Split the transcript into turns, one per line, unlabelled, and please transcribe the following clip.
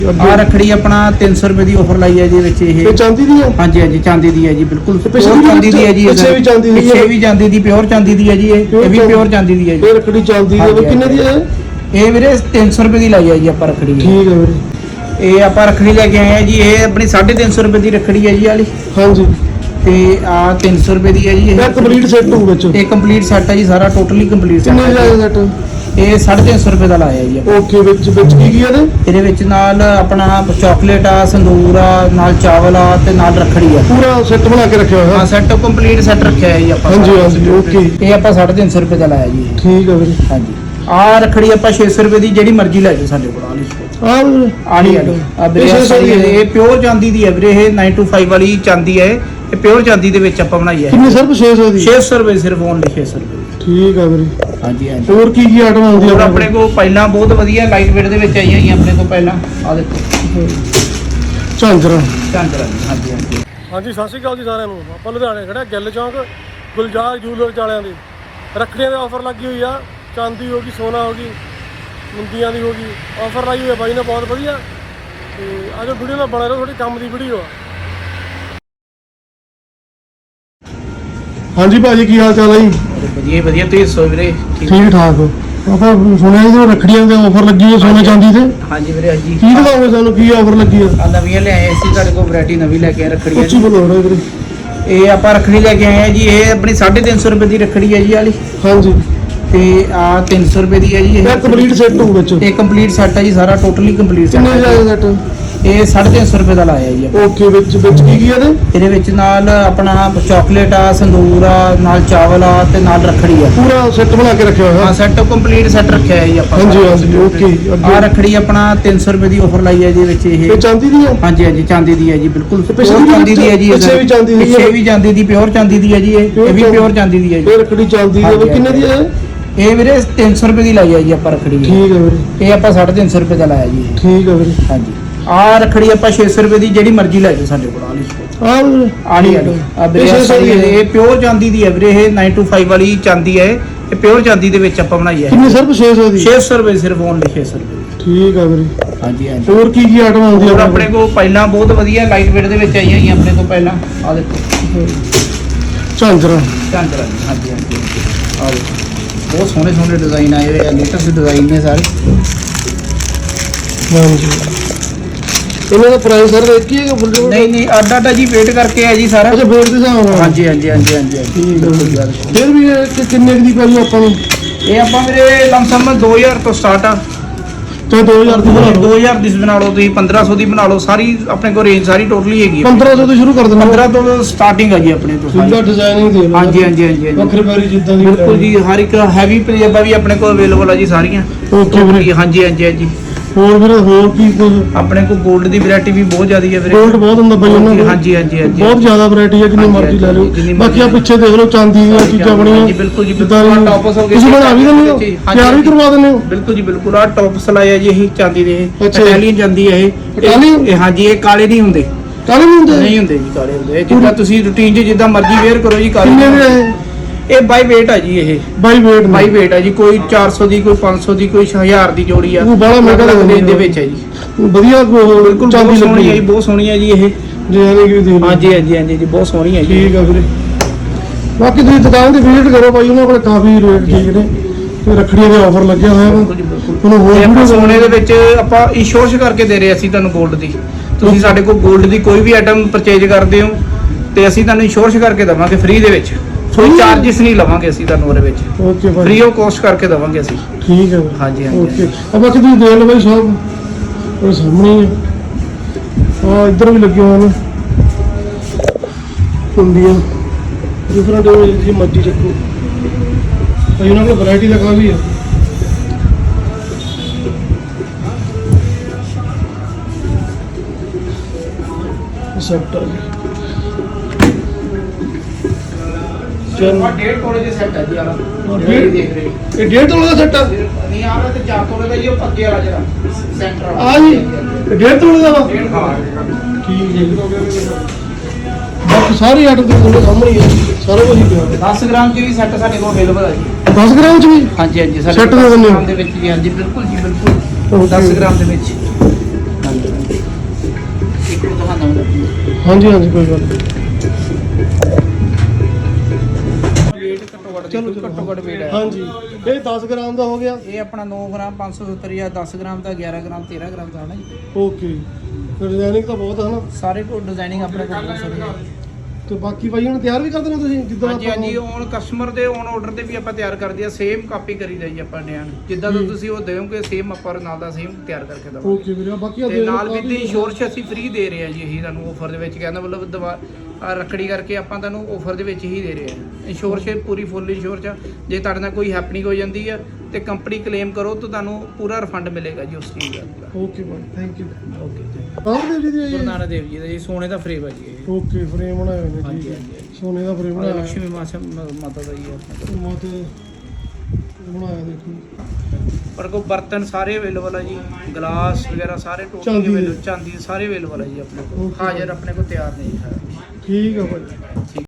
ਆ रखड़ी अपना 300 रुपए की ऑफर लाई है जी विच ये
चांदी दी है।
हाँ जी चांदी दी है जी बिल्कुल
पिछे
चांदी दी है जी
पिछे भी चांदी दी है
पिछे भी चांदी दी प्योर चांदी दी है जी ये भी प्योर चांदी दी है जी
ये रखड़ी चांदी दी है कितने दी है
ये ਵੀਰੇ 300 रुपए की लाई है जी ਆਪਾਂ रखड़ी
ठीक है ਵੀਰੇ
ਇਹ ਆਪਾਂ रखड़ी लेके आए हैं जी ये अपनी 350 रुपए की रखड़ी है जी वाली
हाँ जी
ਤੇ ਆ 300 रुपए ਦੀ ਹੈ ਜੀ
ਇਹ ਕੰਪਲੀਟ ਸੈੱਟ ਹੋਊ ਵਿੱਚ
ਇਹ ਕੰਪਲੀਟ ਸੈੱਟ ਹੈ ਜੀ ਸਾਰਾ ਟੋਟਲੀ ਕੰਪਲੀਟ ਸੈੱਟ
ਕਿੰਨੇ ਦਾ ਸੈੱਟ
ਇਹ 350 रुपए ਦਾ ਲਾਇਆ ਜੀ
ਓਕੇ ਵਿੱਚ ਕੀ ਕੀ ਇਹਦੇ
ਇਹਦੇ ਵਿੱਚ ਨਾਲ ਆਪਣਾ ਚਾਕਲੇਟ ਆ ਸੰਦੂਰ ਆ ਨਾਲ ਚਾਵਲ ਆ ਤੇ ਨਾਲ ਰੱਖੜੀ ਆ
ਪੂਰਾ ਸੈੱਟ ਬਣਾ ਕੇ ਰੱਖਿਆ ਹੋਇਆ
ਹਾਂ ਸੈੱਟ ਕੰਪਲੀਟ ਸੈੱਟ ਰੱਖਿਆ ਹੈ ਜੀ ਆਪਾਂ
ਹਾਂਜੀ ਹਾਂਜੀ ਓਕੇ
ਇਹ ਆਪਾਂ 350 रुपए ਦਾ ਲਾਇਆ ਜੀ
ਠੀਕ ਹੈ ਵੀਰੇ
ਹਾਂਜੀ ਆ ਰੱਖੜੀ ਆਪਾਂ 600 रुपए ਦੀ ਜਿਹੜੀ ਮਰਜ਼ੀ ਲੈ ਜਾਓ ਸਾਡੇ ਕੋਲ ਆਲੀ ਆ ਵੀਰੇ ਇਹ ਪਿਓਰ ਚਾਂਦੀ ਦੀ ਹੈ ਵੀਰੇ ਇਹ 925 ਵਾਲੀ ਚਾਂਦੀ ਹੈ ਇਹ ਪਿਓਰ ਚਾਂਦੀ ਦੇ ਵਿੱਚ ਆਪਾਂ ਬਣਾਈ ਹੈ
ਕਿੰਨੇ ਸਿਰਫ 600 ਦੀ
600 रुपए ਸਿਰਫ ਓਨਲੀ 600 रुपए
ਠੀਕ ਆ ਵੀਰੇ
ਹਾਂਜੀ ਹਾਂਜੀ
ਹੋਰ ਕੀ ਕੀ ਆਈਟਮ ਆਉਂਦੀ
ਹੋਰ ਆਪਣੇ ਕੋਲ ਪਹਿਲਾਂ ਬਹੁਤ ਵਧੀਆ ਲਾਈਟ ਵੇਟ ਦੇ ਵਿੱਚ ਆਈਆਂ ਹੀ ਆਪਣੇ ਕੋਲ ਪਹਿਲਾਂ ਆ ਦੇਖੋ
ਝਾਂਜਰਾਂ
ਹਾਂਜੀ ਹਾਂਜੀ
ਹਾਂਜੀ ਸਤਿ ਸ਼੍ਰੀ ਅਕਾਲ ਜੀ ਸਾਰਿਆਂ ਨੂੰ ਆਪਾਂ ਲੁਧਿਆਣੇ ਖੜਾ ਗਿੱਲ ਚੌਂਕ ਗੁਲਜ਼ਾਰ ਜੂਲਰ ਵਾਲਿਆਂ ਦੀ ਰੱਖੜੀਆਂ ਦੇ ਆਫਰ ਲੱਗੀ ਹੋਈ ਆ ਚਾਂਦੀ ਹੋ ਗਈ ਸੋਨਾ ਹੋ ਗਈ ਮੁੰਦੀਆਂ ਦੀ ਹੋ ਗਈ ਆਫਰ ਲਾਈ ਹੋਈ ਆ ਬਾਈ ਨੇ ਬਹੁਤ ਵਧੀਆ ਤੇ ਅੱਜ ਵੀਡੀਓ ਨਾਲ ਬਣਾ ਰਹੇ ਥੋੜੀ ਕੰਮ ਦੀ ਵੀਡੀਓ ਆ ਹਾਂਜੀ ਭਾਜੀ ਕੀ ਹਾਲ ਚਾਲ ਹੈ ਜੀ
ਵਧੀਆ ਤੁਸੀਂ ਦੱਸੋ ਵੀਰੇ
ਠੀਕ ਠਾਕ ਆਪਾਂ ਸੁਣਿਆ ਜੀ ਰੱਖੜੀਆਂ ਦੇ ਆਫਰ ਲੱਗੀ ਹੈ ਸੋਨੇ ਚਾਂਦੀ ਤੇ
ਹਾਂਜੀ ਵੀਰੇ ਹਾਂਜੀ
ਕੀ ਦਿਖਾਓਗੇ ਸਾਨੂੰ ਕੀ ਆਫਰ ਲੱਗੀ ਹੈ
ਆ ਨਵੀਆਂ ਲਿਆਏ ਅਸੀਂ ਤੁਹਾਡੇ ਕੋਲ ਵੈਰਾਈਟੀ ਨਵੀਂ ਲੈ ਕੇ ਆਏ ਰੱਖੜੀਆਂ
ਉੱਚੀ ਬੋਲੋ ਵੀਰੇ
ਇਹ ਆਪਾਂ ਰੱਖੜੀ ਲੈ ਕੇ ਆਏ ਆ ਜੀ ਇਹ ਆਪਣੀ 350 रुपए ਦੀ ਰੱਖੜੀ ਹੈ ਜੀ ਵਾਲੀ
ਹਾਂਜੀ
ਤੇ ਆ 300 रुपए ਦੀ ਹੈ ਜੀ
ਇਹ ਕੰਪਲੀਟ ਸੈੱਟ ਹੋਊ ਵਿੱਚ
ਇਹ ਕੰਪਲੀਟ ਸੈੱਟ ਹੈ ਜੀ ਸਾਰਾ ਟੋਟਲੀ ਕੰਪਲੀਟ ਸੈੱਟ
ਕਿੰਨੇ ਦਾ ਸੈੱਟ
ਇਹ 350 रुपए ਦਾ ਲਾਇਆ ਜੀ
ਓਕੇ ਵਿੱਚ ਕੀ ਕੀ ਇਹਦੇ
ਇਹਦੇ ਵਿੱਚ ਨਾਲ ਆਪਣਾ ਚਾਕਲੇਟ ਆ ਸੰਦੂਰ ਆ ਨਾਲ ਚਾਵਲ ਆ ਤੇ ਨਾਲ ਰੱਖੜੀ ਆ
ਪੂਰਾ ਸੈੱਟ ਬਣਾ ਕੇ ਰੱਖਿਆ ਹੋਇਆ
ਹਾਂ ਸੈੱਟ ਕੰਪਲੀਟ ਸੈੱਟ ਰੱਖਿਆ ਹੈ ਜੀ ਆਪਾਂ
ਹਾਂਜੀ ਹਾਂਜੀ ਓਕੇ
ਆ ਰੱਖੜੀ ਆਪਣਾ 300 रुपए ਦੀ ਆਫਰ ਲਾਈ ਹੈ ਜੀ ਵਿੱਚ ਇਹ
ਚਾਂਦੀ ਦੀ ਹੈ
ਹਾਂਜੀ ਹਾਂਜੀ ਚਾਂਦੀ ਦੀ ਹੈ ਜੀ ਬਿਲਕੁਲ
ਪਿਛੇ ਵੀ
ਚਾਂਦੀ ਦੀ ਹੈ ਜੀ
ਪਿਛੇ ਵੀ ਚਾਂਦੀ ਦੀ
ਪਿਛੇ ਵੀ ਚਾਂਦੀ ਦੀ ਪਿਓਰ ਚਾਂਦੀ ਦੀ ਹੈ ਜੀ ਇਹ ਵੀ ਪਿਓਰ ਚਾਂਦੀ ਦੀ ਹੈ ਜੀ
ਇਹ ਰੱਖੜੀ ਚਾਂਦੀ ਦੀ ਕਿੰਨੇ ਦੀ ਹੈ
ਇਹ ਵੀਰੇ 300 रुपए ਦੀ ਲਾਈ ਹੈ ਜੀ ਆਪਾਂ ਰੱਖੜੀ
ਠੀਕ ਹੈ ਵੀਰੇ
ਇਹ ਆਪਾਂ 350 रुपए ਦਾ ਲਾਇਆ ਜੀ
ਠੀਕ ਹੈ ਵੀਰੇ
ਹਾਂਜੀ ਆ ਰੱਖੜੀ ਆਪਾਂ 600 रुपए ਦੀ ਜਿਹੜੀ ਮਰਜ਼ੀ ਲੈ ਜਾਓ ਸਾਡੇ ਕੋਲ ਆਲੀ ਆ ਵੀਰੇ ਇਹ ਪਿਓਰ ਚਾਂਦੀ ਦੀ ਹੈ ਵੀਰੇ ਇਹ 925 ਵਾਲੀ ਚਾਂਦੀ ਹੈ ਇਹ ਪਿਓਰ ਚਾਂਦੀ ਦੇ ਵਿੱਚ ਆਪਾਂ ਬਣਾਈ ਹੈ
ਕਿੰਨੇ ਸਿਰਫ 600 ਦੀ
600 रुपए ਸਿਰਫ ਓਨਲੀ 600 रुपए
ਠੀਕ ਹੈ ਵੀਰੇ
ਹਾਂਜੀ ਹਾਂਜੀ
ਹੋਰ ਕੀ ਕੀ ਆਈਟਮ ਆਉਂਦੀ
ਹੋਰ ਆਪਣੇ ਕੋਲ ਪਹਿਲਾਂ ਬਹੁਤ ਵਧੀਆ ਲਾਈਟ ਵੇਟ ਦੇ ਵਿੱਚ ਆਈਆਂ ਹੀ ਆਪਣੇ ਕੋਲ ਪਹਿਲਾਂ ਆ ਦੇਖੋ
ਝਾਂਜਰਾਂ
ਹਾਂਜੀ ਹਾਂਜੀ ਆ ਦੇਖੋ ਬਹੁਤ ਸੋਹਣੇ ਸੋਹਣੇ ਡਿਜ਼ਾਈਨ ਆਏ ਹੋਏ ਆ ਲੇਟੈਸਟ ਡਿਜ਼ਾਈਨ ਨੇ ਸਾਰੇ
ਹਾਂਜੀ ਇਹਨਾਂ ਦਾ ਪ੍ਰਾਈਸ ਸਰ ਇੱਕ ਹੀ ਹੈ ਕਿ
ਨਹੀਂ ਅੱਡਾ ਜੀ ਵੇਟ ਕਰਕੇ ਆ ਜੀ ਸਾਰਾ
ਅੱਛਾ ਵੇਟ ਦੇ ਹਿਸਾਬ ਨਾਲ
ਹਾਂਜੀ
ਠੀਕ ਹੈ ਫਿਰ ਵੀ ਇਹ ਕਿੰਨੇ ਦੀ ਪਈ ਆਪਾਂ ਨੂੰ
ਇਹ ਆਪਾਂ ਵੀਰੇ ਲਮਸਮ 2000 ਤੋਂ ਸਟਾਰਟ ਆ
ਤੇ 2000 ਦੀ ਬਣਾ ਲਓ
2000 ਦੀ ਬਣਾ ਲਓ ਤੁਸੀਂ 1500 ਦੀ ਬਣਾ ਲਓ ਸਾਰੀ ਆਪਣੇ ਕੋਲ ਰੇਂਜ ਸਾਰੀ ਟੋਟਲੀ ਹੈਗੀ
1500 ਤੋਂ ਸ਼ੁਰੂ ਕਰ ਦਿੰਦੇ
15 ਤੋਂ ਸਟਾਰਟਿੰਗ ਹੈ ਜੀ ਆਪਣੇ ਤੋਂ
ਸਿੰਗਲ ਡਿਜ਼ਾਈਨਿੰਗ ਦੇ ਲਓ
ਹਾਂਜੀ
ਵੱਖਰੇ ਵਾਰੀ ਜਿੱਦਾਂ ਦੀ
ਬਿਲਕੁਲ ਜੀ ਹਰ ਇੱਕ ਹੈਵੀ ਪੰਜਾਬਾ ਵੀ ਆਪਣੇ ਕੋਲ ਅਵੇਲੇਬਲ ਆ ਜੀ ਸਾਰੀਆਂ
ਓਕੇ ਵੀਰੇ
ਹਾਂਜੀ
ਹੋਰ ਵੀਰੇ ਹੋਰ ਕੀ ਕੁਝ
ਆਪਣੇ ਕੋਲ 골ਡ ਦੀ ਵੈਰਾਈਟੀ ਵੀ ਬਹੁਤ ਜ਼ਿਆਦੀ ਹੈ ਵੀਰੇ
골ਡ ਬਹੁਤ ਹੁੰਦਾ ਬਈ ਉਹਨਾਂ ਕੋਲ
ਹਾਂਜੀ
ਬਹੁਤ ਜ਼ਿਆਦਾ ਵੈਰਾਈਟੀ ਹੈ ਜਿੰਨੀ ਮਰਜ਼ੀ ਲੈ ਲਓ ਬਾਕੀ ਆ ਪਿੱਛੇ ਦੇਖ ਲਓ ਚਾਂਦੀ ਦੀਆਂ ਚੀਜ਼ਾਂ ਬਣੀਆਂ
ਜੀ ਬਿਲਕੁਲ ਜੀ ਬਿਲਕੁਲ ਟੌਪਸ ਹੋ ਗਏ
ਤੁਸੀਂ ਬਣਾ ਵੀ ਦਿੰਦੇ ਹੋ ਤਿਆਰ ਵੀ ਕਰਵਾ ਦਿੰਦੇ ਹੋ
ਬਿਲਕੁਲ ਜੀ ਬਿਲਕੁਲ ਆ ਟੌਪਸ ਲਾਇਆ ਜੀ ਇਹ ਚਾਂਦੀ ਦੇ
ਅੱਛਾ।
ਇਟਾਲੀਅਨ ਚਾਂਦੀ ਹੈ ਇਹ ਹਾਂਜੀ ਇਹ ਕਾਲੇ ਨਹੀਂ ਹੁੰਦੇ
ਕਾਲੇ ਨਹੀਂ ਹੁੰਦੇ
ਜੀ ਕਾਲੇ ਹੁੰਦੇ ਇਹ ਜਿੱਦਾਂ ਤੁਸੀਂ ਰੂਟੀਨ 'ਚ ਜਿੱਦਾਂ ਮਰਜ਼ੀ ਵੇਅਰ ਕਰੋ ਜੀ ਕਾਲੇ
ਕਿੰਨੇ ਦੇ
ਇਹ ਬਾਈ weight ਆ ਜੀ ਇਹ
ਬਾਈ weight
ਆ ਜੀ ਕੋਈ 400 ਦੀ ਕੋਈ 500 ਦੀ ਕੋਈ 1000 ਦੀ ਜੋੜੀ ਆ
ਉਹ ਬੜਾ ਮਹਿੰਗਾ
ਰੇਂਜ ਦੇ ਵਿੱਚ ਹੈ ਜੀ
ਵਧੀਆ
ਬਿਲਕੁਲ
ਚਾਂਦੀ
ਸੋਹਣੀ ਹੈ ਜੀ ਬਹੁਤ ਸੋਹਣੀ ਹੈ ਜੀ ਇਹ
ਜਿਵੇਂ ਕਿ ਦੇਖ
ਹਾਂਜੀ ਜੀ ਬਹੁਤ ਸੋਹਣੀ ਹੈ ਜੀ
ਠੀਕ ਆ ਵੀਰੇ ਬਾਕੀ ਤੁਸੀਂ ਦੁਕਾਨ ਤੇ ਵਿਜ਼ਿਟ ਕਰੋ ਬਾਈ ਉਹਨਾਂ ਕੋਲ ਕਾਫੀ ਰੇਟ ਠੀਕ ਨੇ ਤੇ ਰੱਖੜੀਆਂ ਦੇ ਆਫਰ ਲੱਗਿਆ ਹੋਇਆ ਵਾ ਤੁਹਾਨੂੰ ਹੋਰ
ਵੀਡੀਓ ਸੋਨੇ ਦੇ ਵਿੱਚ ਆਪਾਂ ਇੰਸ਼ੋਰੈਂਸ ਕਰਕੇ ਦੇ ਰਹੇ ਅਸੀਂ ਤੁਹਾਨੂੰ 골ਡ ਦੀ ਤੁਸੀਂ ਸਾਡੇ ਕੋਲ 골ਡ ਦੀ ਕੋਈ ਵੀ ਆਈਟਮ ਪਰਚੇਜ ਕਰਦੇ ਹੋ ਤੇ ਅਸੀਂ ਤੁਹਾਨੂੰ ਇੰਸ਼ੋਰੈਂਸ ਕਰਕੇ ਦਵਾਂਗੇ ਫ੍ਰੀ ਦੇ ਵਿੱਚ ਕੋਈ ਚਾਰजेस ਨਹੀਂ ਲਵਾਂਗੇ ਅਸੀਂ ਤੁਹਾਨੂੰ ਉਹਦੇ ਵਿੱਚ
ਓਕੇ ਭਾਈ
ਫ੍ਰੀ ਆਫ ਕਾਸਟ ਕਰਕੇ ਦਵਾਂਗੇ ਅਸੀਂ
ਠੀਕ ਹੈ
ਹਾਂਜੀ
ਓਕੇ ਆ ਬਾਕੀ ਤੁਸੀਂ ਦੇਖ ਲਓ ਬਾਈ ਸਭ ਉਹ ਸਾਹਮਣੇ ਹੀ ਆ ਇੱਧਰ ਵੀ ਲੱਗੇ ਹੋਏ ਨੇ ਹੁੰਦੀਆਂ ਡਿਫਰੈਂਟ ਜੀ ਮਰਜ਼ੀ ਚੱਕੋ ਭਾਈ ਉਹਨਾਂ ਕੋਲ ਵੈਰਾਈਟੀ ਦਾ ਕਾਫੀ ਹੈ ਸੈੱਟ ਆ ਜੀ
ਚਲੋ 1.5 ਤੋਲੇ ਦੇ ਸੈੱਟ ਹੈ ਜੀ ਆਲਾ ਦੇਖ ਰਹੇ
ਇਹ 1.5 ਤੋਲੇ ਦਾ ਸੈੱਟ ਆ
ਨਹੀਂ ਆ ਰਿਹਾ ਤੇ 4 ਤੋਲੇ ਦਾ ਹੀ ਉਹ ਪੱਕੇ ਵਾਲਾ ਜਿਹੜਾ ਸੈਂਟਰ
ਆ ਜੀ ਇਹ 1.5 ਤੋਲੇ ਦਾ ਵਾ ਠੀਕ ਹੈ ਜੀ ਬਾਕੀ ਸਾਰੇ ਆਰਡਰ ਦੇ ਤੁਹਾਡੇ ਸਾਹਮਣੇ ਹੀ ਆ ਸਾਰਾ ਕੁਝ ਹੀ ਪਿਆ
10 ਗ੍ਰਾਮ ਚ ਵੀ ਸੈੱਟ ਸਾਡੇ ਕੋਲ ਅਵੇਲੇਬਲ ਹੈ ਜੀ
10 ਗ੍ਰਾਮ ਚ ਵੀ
ਹਾਂਜੀ
ਸੈੱਟ ਦੇ ਦਿੰਦੇ ਹੋ
ਦੇ ਵਿੱਚ ਜੀ ਹਾਂਜੀ ਬਿਲਕੁਲ 10 ਗ੍ਰਾਮ ਦੇ ਵਿੱਚ ਹਾਂਜੀ
ਹਾਂਜੀ ਹਾਂਜੀ ਕੋਈ ਗੱਲ ਨਹੀਂ।
weight ਘੱਟੋ ਘੱਟ
ਚਲੋ
ਦੇਖੋ, ਘੱਟੋ ਘੱਟ weight ਹੈ।
ਹਾਂਜੀ ਇਹ 10 ਗ੍ਰਾਮ ਦਾ ਹੋ ਗਿਆ।
ਇਹ ਆਪਣਾ 9 ਗ੍ਰਾਮ 570 ਜਾਂ 10 ਗ੍ਰਾਮ ਦਾ 11 ਗ੍ਰਾਮ 13 ਗ੍ਰਾਮ ਦਾ ਹੈ ਨਾ ਜੀ।
ਓਕੇ ਡਿਜ਼ਾਈਨਿੰਗ ਤਾਂ ਬਹੁਤ ਹੈ ਨਾ।
ਸਾਰੇ ਕੋਲ ਡਿਜ਼ਾਈਨਿੰਗ ਆਪਣੇ ਕੋਲ ਬਹੁਤ ਸਾਰੀ ਹੈ।
ਤੇ ਬਾਕੀ ਭਾਈ ਹੁਣ ਤਿਆਰ ਵੀ ਕਰ ਦੇਣਾ ਤੁਸੀਂ ਜਿੱਦਾਂ
ਹਾਂਜੀ ਹਾਂਜੀ ਔਨ ਕਸਟਮਰ ਦੇ ਔਨ ਆਰਡਰ ਤੇ ਵੀ ਆਪਾਂ ਤਿਆਰ ਕਰਦੇ ਆ। ਸੇਮ ਕਾਪੀ ਕਰੀਦਾ ਜੀ ਆਪਾਂ ਡਿਜ਼ਾਈਨ ਜਿੱਦਾਂ ਦਾ ਤੁਸੀਂ ਉਹ ਦਿਓਗੇ ਸੇਮ ਆਪਾਂ ਨਾਲ ਦਾ ਸੇਮ ਤਿਆਰ ਕਰਕੇ ਦਵਾਂਗੇ।
ਓਕੇ ਵੀਰੇ ਬਾਕੀ ਆ
ਤੇ ਨਾਲ ਵੀ ਦੀ ਇੰਸ਼ੋਰੈਂਸ ਅਸੀਂ ਫ੍ਰੀ ਦੇ ਰਹੇ ਆ ਜੀ। ਇਹੀ ਤੁਹਾਨੂੰ ਆਫਰ ਦੇ ਵਿੱਚ ਕਹਿੰਦਾ ਮਤਲਬ ਰੱਖੜੀ ਕਰਕੇ ਆਪਾਂ ਤੁਹਾਨੂੰ ਆਫਰ ਦੇ ਵਿੱਚ ਹੀ ਦੇ ਰਹੇ ਆ। ਇੰਸ਼ੋਰੈਂਸ ਪੂਰੀ ਫੁੱਲ ਇੰਸ਼ੋਰੈਂਸ ਆ। ਜੇ ਤੁਹਾਡੇ ਨਾਲ ਕੋਈ ਹੈਪਨਿੰਗ ਹੋ ਜਾਂਦੀ ਆ ਤੇ ਕੰਪਨੀ ਕਲੇਮ ਕਰੋ ਤਾਂ ਤੁਹਾਨੂੰ ਪੂਰਾ ਰਿਫੰਡ ਮਿਲੇਗਾ ਜੀ ਉਸ ਚੀਜ਼ ਦਾ।
ਓਕੇ ਭਾਈ ਥੈਂਕ ਯੂ।
ਓਕੇ ਜੀ।
ਨਾਨਕ ਦੇਵ ਜੀ
ਗੁਰੂ
ਦੀ
ਨਾਨਕ ਦੇਵ ਜੀ ਦਾ ਜੀ ਸੋਨੇ ਦਾ ਫਰੇਮ ਆ ਜੀ ਇਹ।
ਓਕੇ ਫਰੇਮ ਬਣਾਏ ਹੋਏ ਨੇ
ਹਾਂਜੀ
ਠੀਕ ਹੈ
ਹਾਂਜੀ
ਸੋਨੇ ਦਾ ਫਰੇਮ ਬਣਾਇਆ
ਲక్ష్ਮੀ ਮਾਤਾ ਦਾ ਜੀ ਆਪਣੇ ਕੋਲ।
ਮਾਤੇ ਬਣਾਇਆ ਦੇਖੋ
ਪਰ ਕੋ ਬਰਤਨ ਸਾਰੇ ਅਵੇਲੇਬਲ ਆ ਜੀ। ਗਲਾਸ ਵਗੈਰਾ ਸਾਰੇ
ਚਾਂਦੀ
ਟੋਟਲੀ
ਦੇ।
ਅਵੇਲੇਬਲ ਚਾਂਦੀ ਦੇ ਸਾਰੇ ਅਵੇਲੇਬਲ ਆ ਜੀ ਆਪਣੇ ਕੋਲ।
Okay.
ਹਾਜ਼ਰ ਆਪਣੇ ਕੋਲ ਤਿਆਰ ਨੇ ਜੀ ਸਾਰਾ।
ਠੀਕ ਆ ਭਾਈ।